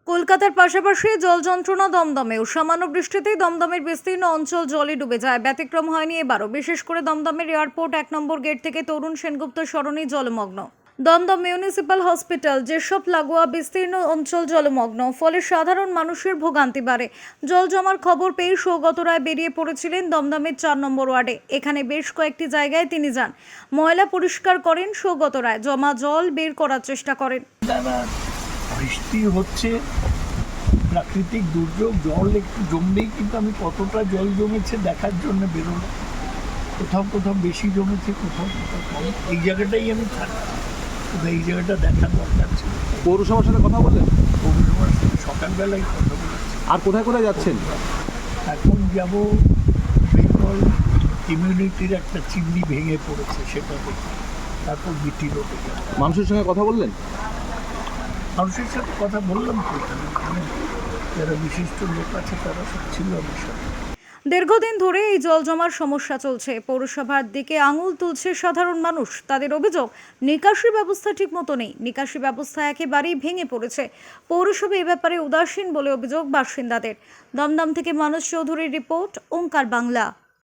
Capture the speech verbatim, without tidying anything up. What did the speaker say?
কলকাতার পাশাপাশি জল যন্ত্রণা দমদমেও সামান্য বৃষ্টিতেই দমদমের বিস্তীর্ণ অঞ্চল জলে ডুবে যায়। ব্যতিক্রম হয়নি এবারও, বিশেষ করে দমদমের এয়ারপোর্ট এক নম্বর গেট থেকে তরুণ সেনগুপ্ত সরণি জলমগ্ন। দমদম মিউনিসিপ্যাল হসপিটাল যেসব লাগোয়া বিস্তীর্ণ অঞ্চল জলমগ্ন, ফলে সাধারণ মানুষের ভোগান্তি বাড়ে। জল জমার খবর পেয়ে সৌগত রায় বেরিয়ে পড়েছিলেন দমদমের চার নম্বর ওয়ার্ডে। এখানে বেশ কয়েকটি জায়গায় তিনি যান, ময়লা পরিষ্কার করেন সৌগত রায়, জমা জল বের করার চেষ্টা করেন। বৃষ্টি হচ্ছে, প্রাকৃতিক দুর্যোগ, জল একটু জমবেই, কিন্তু আমি কতটা জল জমেছে দেখার জন্য বেরোলাম। কোথাও কোথাও বেশি জমেছে, কোথাও কোথাও কম। এই জায়গাটাই আমি থাকি, এই জায়গাটা দেখার দরকার ছিল। পৌরসভার সাথে কথা বললেন? পৌরসভার সাথে সকালবেলায় কথা বলেছি। আর কোথায় কোথায় যাচ্ছেন? এখন যাব বেঙ্গল ইমিউনিটির একটা চিমনি ভেঙে পড়েছে, সেটা দেখি, তারপর বিটি রোডে যাব। মানুষের সঙ্গে কথা বললেন? মানুষের সাথে কথা বললাম তো, এখানে যারা বিশিষ্ট লোক আছে তারা সব ছিল আমার সাথে। দীর্ঘদিন ধরে এই জল জমার সমস্যা চলছে। পৌরসভার দিকে আঙুল তুলছে সাধারণ মানুষ। তাদের অভিযোগ, নিকাশি ব্যবস্থা ঠিক মতো নেই, নিকাশি ব্যবস্থা একেবারেই ভেঙে পড়েছে। পৌরসভা এ ব্যাপারে উদাসীন বলে অভিযোগ বাসিন্দাদের। দমদম থেকে মানস চৌধুরীর রিপোর্ট, ওঙ্কার বাংলা।